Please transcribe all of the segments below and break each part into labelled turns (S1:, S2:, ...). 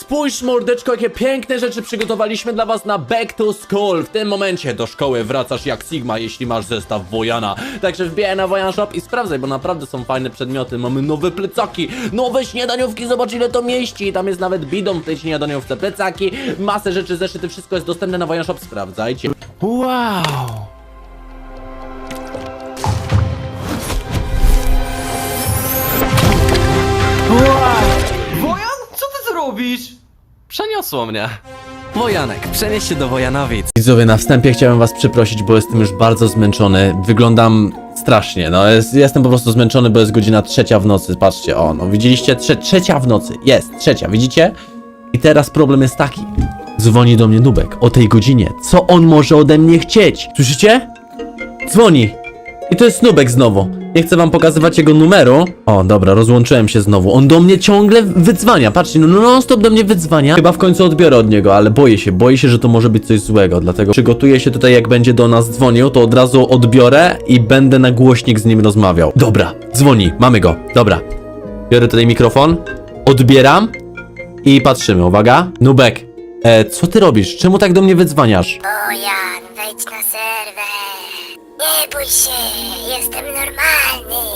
S1: Spójrz, mordeczko, jakie piękne rzeczy przygotowaliśmy dla was na Back to School. W tym momencie do szkoły wracasz jak Sigma, jeśli masz zestaw Wojana. Także wbijaj na Wojan Shop i sprawdzaj, bo naprawdę są fajne przedmioty. Mamy nowe plecaki, nowe śniadaniówki, zobacz ile to mieści. Tam jest nawet bidon w tej śniadaniówce, plecaki, masę rzeczy, zeszyty, wszystko jest dostępne na Wojan Shop, sprawdzajcie. Wow!
S2: Wojan? Co ty tu robisz?
S1: Przeniosło mnie. Wojanek, przenieś się do Wojanowic. Widzowie, na wstępie chciałem was przeprosić, bo jestem już bardzo zmęczony. Wyglądam strasznie, no jestem po prostu zmęczony, bo jest godzina 3 w nocy. Patrzcie, o, no widzieliście? Trzecia w nocy, jest, 3, widzicie? I teraz problem jest taki. Dzwoni do mnie Nubek o tej godzinie. Co on może ode mnie chcieć? Słyszycie? Dzwoni. I to jest Nubek znowu. Nie chcę wam pokazywać jego numeru. O, dobra, rozłączyłem się znowu. On do mnie ciągle wydzwania. Patrzcie, no non-stop do mnie wydzwania. Chyba w końcu odbiorę od niego, ale boję się, że to może być coś złego. Dlatego przygotuję się tutaj, jak będzie do nas dzwonił, to od razu odbiorę i będę na głośnik z nim rozmawiał. Dobra, dzwoni, mamy go. Dobra. Biorę tutaj mikrofon, odbieram i patrzymy. Uwaga. Nubek, co ty robisz? Czemu tak do mnie wydzwaniasz?
S3: Wojan, wejdź na serwer. Nie bój się, jestem normalny.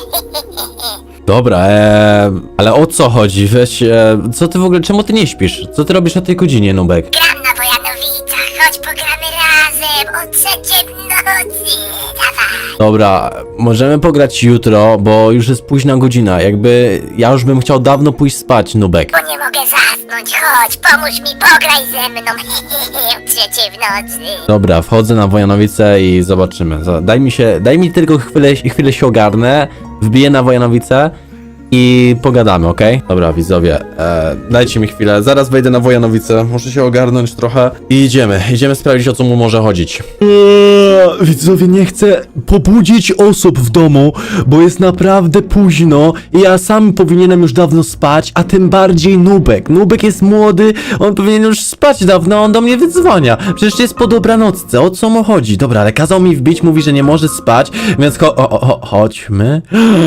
S1: Dobra, ale o co chodzi? Weź, co ty w ogóle, czemu ty nie śpisz? Co ty robisz o tej godzinie, Nubek?
S3: Gram na Wojanowicach, chodź pogramy razem o 3 w nocy. Dawaj.
S1: Dobra, możemy pograć jutro, bo już jest późna godzina, jakby ja już bym chciał dawno pójść spać, Nubek.
S3: Bo nie mogę zasnąć, chodź, pomóż mi, pograj ze mną. O 3 w nocy.
S1: Dobra, wchodzę na Wojanowice i zobaczymy. Daj mi tylko chwilę się ogarnę, wbiję na Wojanowice i pogadamy, okej? Dobra, widzowie, dajcie mi chwilę, zaraz wejdę na Wojanowice, muszę się ogarnąć trochę i idziemy sprawdzić, o co mu może chodzić. Widzowie, nie chcę pobudzić osób w domu, bo jest naprawdę późno i ja sam powinienem już dawno spać, a tym bardziej Nubek. Nubek jest młody, on powinien już spać dawno, a on do mnie wydzwania. Przecież jest po dobranocce, o co mu chodzi? Dobra, ale kazał mi wbić, mówi, że nie może spać, więc chodźmy.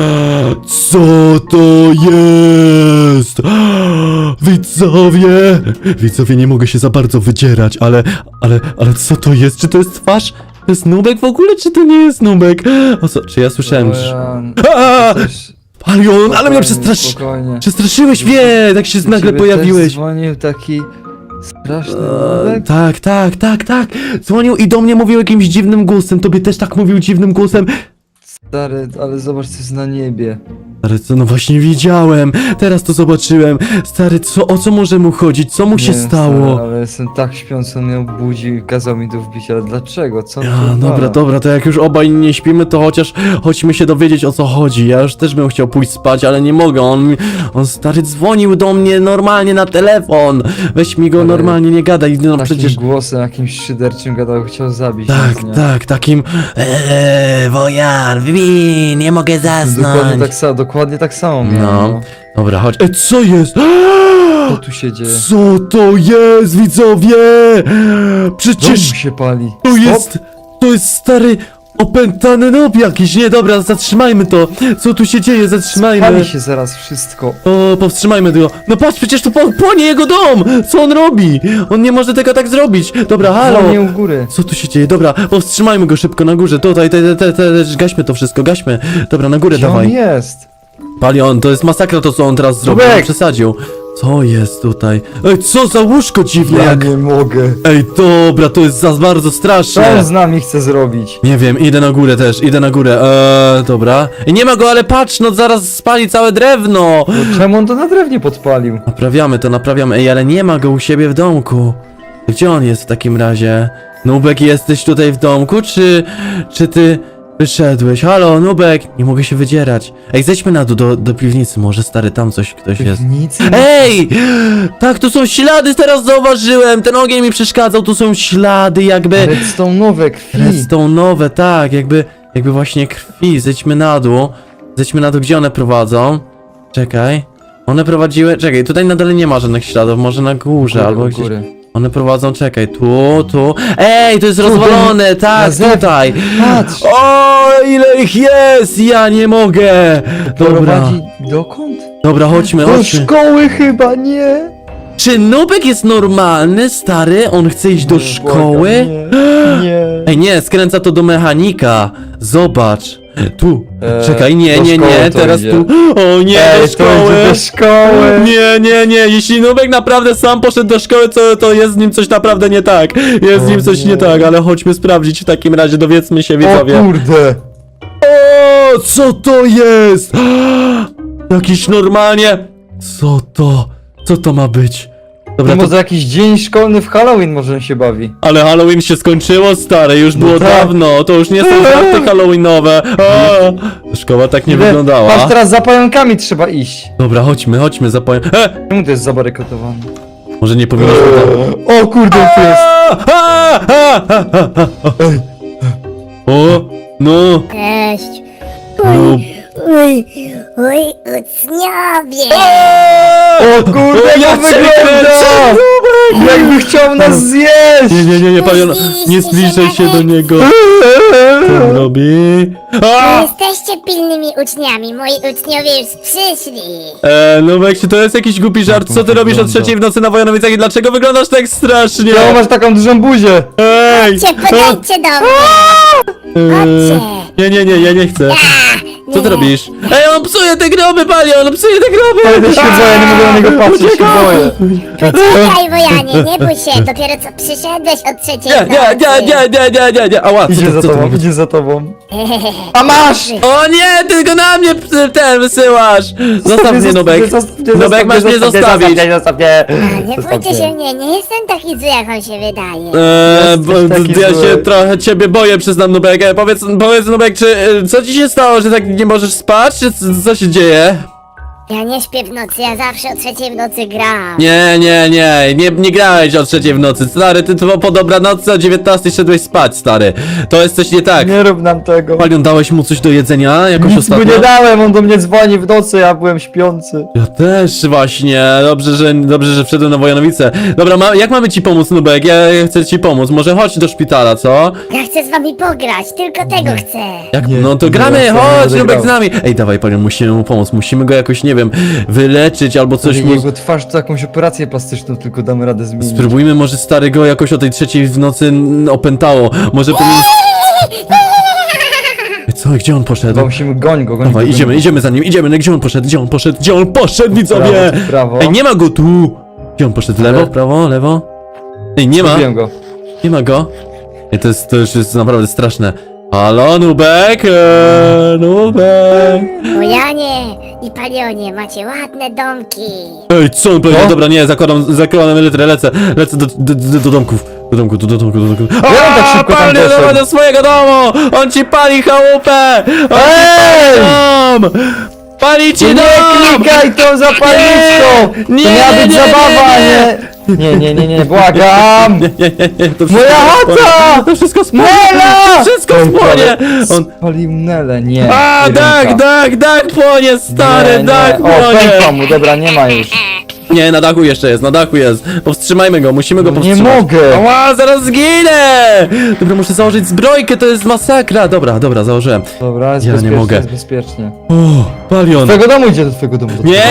S1: Co to jest? Widzowie, nie mogę się za bardzo wydzierać, ale co to jest? Czy to jest twarz? To jest Nubek w ogóle, czy to nie jest Nubek? O co? Czy ja słyszałem, że...
S2: Wojan,
S1: Aaa!
S2: też
S1: Palion, ale mnie
S2: spokojnie.
S1: przestraszyłeś, tak się nagle
S2: Ciebie
S1: pojawiłeś.
S2: Też dzwonił taki straszny Nubek.
S1: Tak. Dzwonił i do mnie mówił jakimś dziwnym głosem. Tobie też tak mówił dziwnym głosem.
S2: Stary, ale zobacz co jest na niebie.
S1: Stary, co? No właśnie widziałem. Teraz to zobaczyłem. Stary, o co może mu chodzić? Co mu się
S2: Nie wiem,
S1: stało?
S2: Stary, ale jestem tak śpiący, on mnie obudził i kazał mi tu wbić, ale dlaczego? Co?
S1: Dobra, to jak już obaj nie śpimy, to chociaż chodźmy się dowiedzieć, o co chodzi. Ja już też bym chciał pójść spać, ale nie mogę. On stary dzwonił do mnie normalnie na telefon. Weź mi go
S2: Ale
S1: normalnie, nie gadaj. No
S2: Takim
S1: przecież...
S2: głosem, jakimś szyderczym gadał, chciał zabić nas, nie?
S1: Tak, takim... Wojan, wbij, nie mogę
S2: Dokładnie tak samo miałem,
S1: No. Dobra, chodź. Co jest?
S2: Co tu się dzieje?
S1: Co to jest, widzowie?
S2: Dom
S1: Przecież
S2: się pali.
S1: to jest stary opętany noob jakiś. Nie, dobra, zatrzymajmy to. Co tu się dzieje? Zatrzymajmy.
S2: Pali się zaraz wszystko.
S1: O, powstrzymajmy go. No patrz, przecież tu płonie jego dom. Co on robi? On nie może tego tak zrobić. Dobra, halo.
S2: Dzwonię u góry.
S1: Co tu się dzieje? Dobra, powstrzymajmy go szybko na górze. Tutaj, gaśmy to wszystko, gaśmy. Dobra, na górę
S2: Gdzie on
S1: dawaj.
S2: jest?
S1: Palion, to jest masakra to, co on teraz zrobił.
S2: Nubek!
S1: On przesadził. Co jest tutaj? Ej, co za łóżko dziwne
S2: Ja
S1: jak...
S2: nie mogę.
S1: Ej, dobra, to jest za bardzo
S2: Co
S1: straszne.
S2: on z nami chce zrobić?
S1: Nie wiem, idę na górę też, dobra. I nie ma go, ale patrz, no zaraz spali całe drewno.
S2: No, czemu on to na drewnie podpalił?
S1: Naprawiamy. Ej, ale nie ma go u siebie w domku. Gdzie on jest w takim razie? Nubek, jesteś tutaj w domku, czy ty wyszedłeś? Halo, Nubek, nie mogę się wydzierać. Ej, zejdźmy na dół do piwnicy, może stary, tam ktoś jest.
S2: Nic.
S1: Ej! Tak, tu są ślady, teraz zauważyłem! Ten ogień mi przeszkadzał, tu są ślady jakby...
S2: Redstone'owe krwi.
S1: Redstone'owe, tak, jakby właśnie krwi. Zejdźmy na dół, gdzie one prowadzą? Czekaj. One prowadziły... Czekaj, tutaj na dole nie ma żadnych śladów, może na górze, albo
S2: u
S1: gdzieś...
S2: góry.
S1: One prowadzą, czekaj, tu... Ej, to jest rozwalone, tak,
S2: zewnątrz.
S1: tutaj!
S2: Patrz!
S1: O, ile ich jest! Ja nie mogę! Dobra,
S2: Prowadzi dokąd?
S1: dobra, chodźmy.
S2: Do szkoły chyba, nie?
S1: Czy Nubek jest normalny, stary? On chce iść do szkoły?
S2: Nie.
S1: Ej, nie, skręca to do mechanika. Zobacz. Tu. Czekaj, nie,
S2: do
S1: nie,
S2: szkoły
S1: nie,
S2: to
S1: teraz
S2: idzie.
S1: tu. O nie, do
S2: To
S1: szkoły.
S2: idzie do szkoły.
S1: Nie, nie, nie, jeśli Nubek naprawdę sam poszedł do szkoły, to jest z nim coś naprawdę nie tak. Jest z nim coś nie tak, ale chodźmy sprawdzić w takim razie, dowiedzmy się,
S2: O
S1: widzowie.
S2: kurde.
S1: O, co to jest? Jakiś normalnie... Co to ma być? Dobra,
S2: To
S1: to...
S2: może jakiś dzień szkolny w Halloween może się bawi.
S1: Ale Halloween się skończyło, stare, już było
S2: tak.
S1: dawno, to już nie są żarty halloweenowe. A, szkoła tak nie wyglądała.
S2: Patrz, teraz za pająkami trzeba iść.
S1: Dobra, chodźmy, zapowiem.
S2: Czemu to jest zabarykodowane?
S1: Może nie powinniśmy tam...
S2: O kurde, tu jest.
S1: O, no.
S3: Cześć.
S1: No.
S3: Oj, uczniowie.
S2: O kurde, jak
S1: ja
S2: to wygląda! Jakby chciał nas zjeść!
S1: Nie, palion, nie zbliżaj się do niego. Co on robi? A!
S3: Jesteście pilnymi uczniami, moi uczniowie już przyszli.
S1: Nubek, czy to jest jakiś głupi żart? Co ty robisz o 3 w nocy na Wojanowicach i dlaczego wyglądasz tak strasznie?
S2: Czemu masz taką dużą buzię?
S1: Ej!
S3: Podejdźcie do mnie. Chodźcie.
S1: Nie, ja nie chcę. Co ty
S3: Nie.
S1: robisz? Ej, on psuje te groby, Palion, on psuje te groby!
S2: Ale się boję, nie mogę na niego patrzeć, się boję.
S3: Poczekaj, Wojanie, nie bój się, dopiero co przyszedłeś od trzeciej
S1: Nie, ała,
S2: Idzie za
S1: co to
S2: tobą,
S1: ma być?
S2: idzie za tobą. A masz!
S1: O nie, tylko na mnie ten wysyłasz! Zostaw mnie, Nubek. Nubek, masz mnie zostawić.
S3: Nie bójcie się mnie, nie jestem taki zły, jak on się wydaje.
S2: Jesteś taki
S1: Ja się
S2: zły.
S1: trochę ciebie boję, przyznam, Nubek. Powiedz, Nubek, czy co ci się stało, że tak nie możesz spać, czy co się dzieje?
S3: Ja nie śpię w nocy, ja zawsze o trzeciej w nocy gram.
S1: Nie grałeś o 3 w nocy, stary, ty po dobranocy o 19 szedłeś spać, stary. To jest coś nie tak.
S2: Nie rób nam tego.
S1: Palion, dałeś mu coś do jedzenia jakoś
S2: Nic mu
S1: ostatnio?
S2: nie dałem, on do mnie dzwoni w nocy, ja byłem śpiący.
S1: Ja też właśnie, dobrze, że wszedłem na Wojanowice. Dobra, jak mamy ci pomóc, Nubek? Ja chcę ci pomóc, może chodź do szpitala, co?
S3: Ja chcę z wami pograć, tylko tego chcę.
S1: Jak?
S2: Nie,
S1: No to
S2: nie,
S1: gramy,
S2: ja nie
S1: chodź,
S2: będę
S1: Nubek
S2: grał.
S1: z nami. Ej, dawaj, Palion, musimy mu pomóc, musimy go jakoś, nie wiem, wyleczyć albo coś mu...
S2: Jego twarz to jakąś operację plastyczną tylko damy radę zmienić.
S1: Spróbujmy, może stary go jakoś o tej 3 w nocy opętało. Może powinien... Co, gdzie on poszedł?
S2: Chyba musimy goń go.
S1: Dawaj, idziemy za nim, idziemy, gdzie on poszedł, widzowie!
S2: Prawo, prawo.
S1: Ej, nie ma go tu! Gdzie on poszedł, lewo,
S2: Ale-
S1: prawo, lewo? Ej, nie ma,
S2: Zgubiłem go.
S1: nie ma go. Ej, to już jest naprawdę straszne. Halo, Nubek, Nubek.
S3: Wojanie i Palionie, macie ładne domki.
S1: Ej, co on powiedział?
S2: No.
S1: Dobra, nie, zakładam elytrę, lecę do domków. Do domku.
S2: Ja on tak szybko tam
S1: Palion,
S2: poszedł.
S1: dawaj do swojego domu! On ci pali chałupę!
S2: Ej!
S1: Dom! Pali ci
S2: Nie
S1: dom!
S2: klikaj tą zapalniczką!
S1: Nie,
S2: To miała być
S1: nie,
S2: zabawa, nie, błagam!
S1: Nie, to
S2: Moja chata!
S1: To wszystko spłonie!
S2: Nela!
S1: To wszystko spłonie! On...
S2: Spalił Nelę, nie.
S1: A,
S2: jedynka.
S1: dach płonie, stary,
S2: Nie,
S1: dach
S2: nie. O,
S1: płonie!
S2: pękła mu, dobra, nie ma już.
S1: Nie, na dachu jeszcze jest, na dachu jest. Powstrzymajmy go, musimy go
S2: No nie
S1: powstrzymać.
S2: mogę.
S1: Ała, zaraz zginę! Dobra, muszę założyć zbrojkę, to jest masakra. Dobra, założyłem.
S2: Dobra, jest
S1: Ja nie
S2: bezpiecznie,
S1: mogę.
S2: jest bezpiecznie.
S1: O, Palion.
S2: Do twojego domu idzie, do twojego domu.
S1: Nie.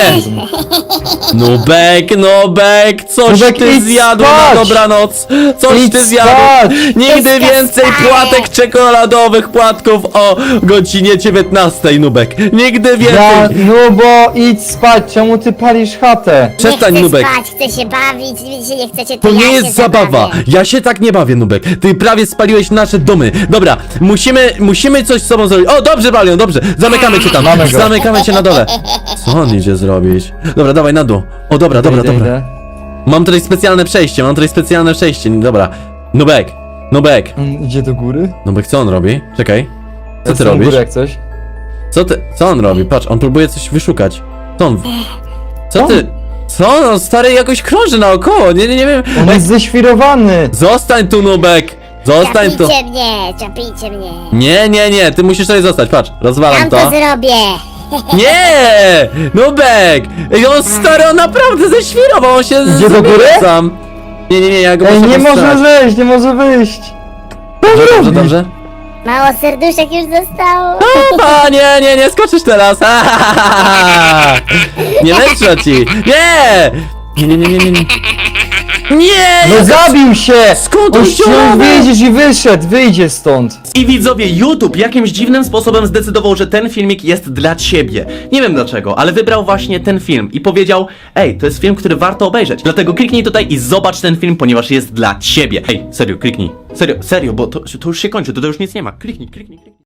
S1: Nubek, coś
S2: Nubek,
S1: ty
S2: idź
S1: zjadł
S2: spać!
S1: na dobranoc. Coś
S2: Idź
S1: ty zjadł.
S2: spać!
S1: Nigdy
S3: Idź
S1: więcej
S3: spać!
S1: płatek czekoladowych, płatków o godzinie 19, Nubek. Nigdy
S2: Ja,
S1: więcej.
S2: no bo idź spać, czemu ty palisz chatę?
S1: Przestań,
S3: nie chcę
S1: Nubek.
S3: spać, chcę się bawić, widzicie, nie chcecie,
S1: To
S3: ja
S1: nie
S3: się
S1: jest zabawa.
S3: zabawię.
S1: Ja się tak nie bawię, Nubek. Ty prawie spaliłeś nasze domy. Dobra, musimy coś z sobą zrobić. O, dobrze, Palion, dobrze. Zamykamy cię tam.
S2: Mamy go.
S1: Zamykamy cię na dole. Co on idzie zrobić? Dobra, dawaj na dół. O, dobra.
S2: Idę.
S1: Mam tutaj specjalne przejście. Dobra. Nubek.
S2: On idzie do góry?
S1: Nubek, co on robi? Czekaj. Co ty
S2: Jestem u
S1: robisz?
S2: góry jak coś.
S1: Co on robi? Patrz, on próbuje coś wyszukać. Co ty? Co? No, stary jakoś krąży naokoło. Nie wiem.
S2: On jest ześwirowany!
S1: Zostań tu, Nubek. Zostań tu.
S3: Czapijcie mnie.
S1: Nie, ty musisz tutaj zostać, patrz, rozwalam
S3: Tam
S1: to.
S3: to zrobię.
S1: Nie! Nubek! Ej, on stary, on naprawdę ześwirował, on się
S2: Idzie do góry?
S1: sam. Nie, ja go
S2: Ej,
S1: muszę
S2: nie może
S1: powstrzymać.
S2: wyjść, nie może wyjść!
S1: Dobrze.
S3: Mało serduszek już zostało.
S1: A, nie skoczysz teraz. Nie lepsza ci. Nie! Nie, nie, nie, nie, nie, nie. Nie!
S2: No zabił się!
S1: Skąd
S2: On
S1: on
S2: chciał
S1: ściągnął?
S2: wyjdziesz i wyszedł, wyjdzie stąd.
S1: I widzowie, YouTube jakimś dziwnym sposobem zdecydował, że ten filmik jest dla ciebie. Nie wiem dlaczego, ale wybrał właśnie ten film i powiedział: ej, to jest film, który warto obejrzeć. Dlatego kliknij tutaj i zobacz ten film, ponieważ jest dla ciebie. Ej, serio, kliknij. Serio, bo to już się kończy, to już nic nie ma. Kliknij.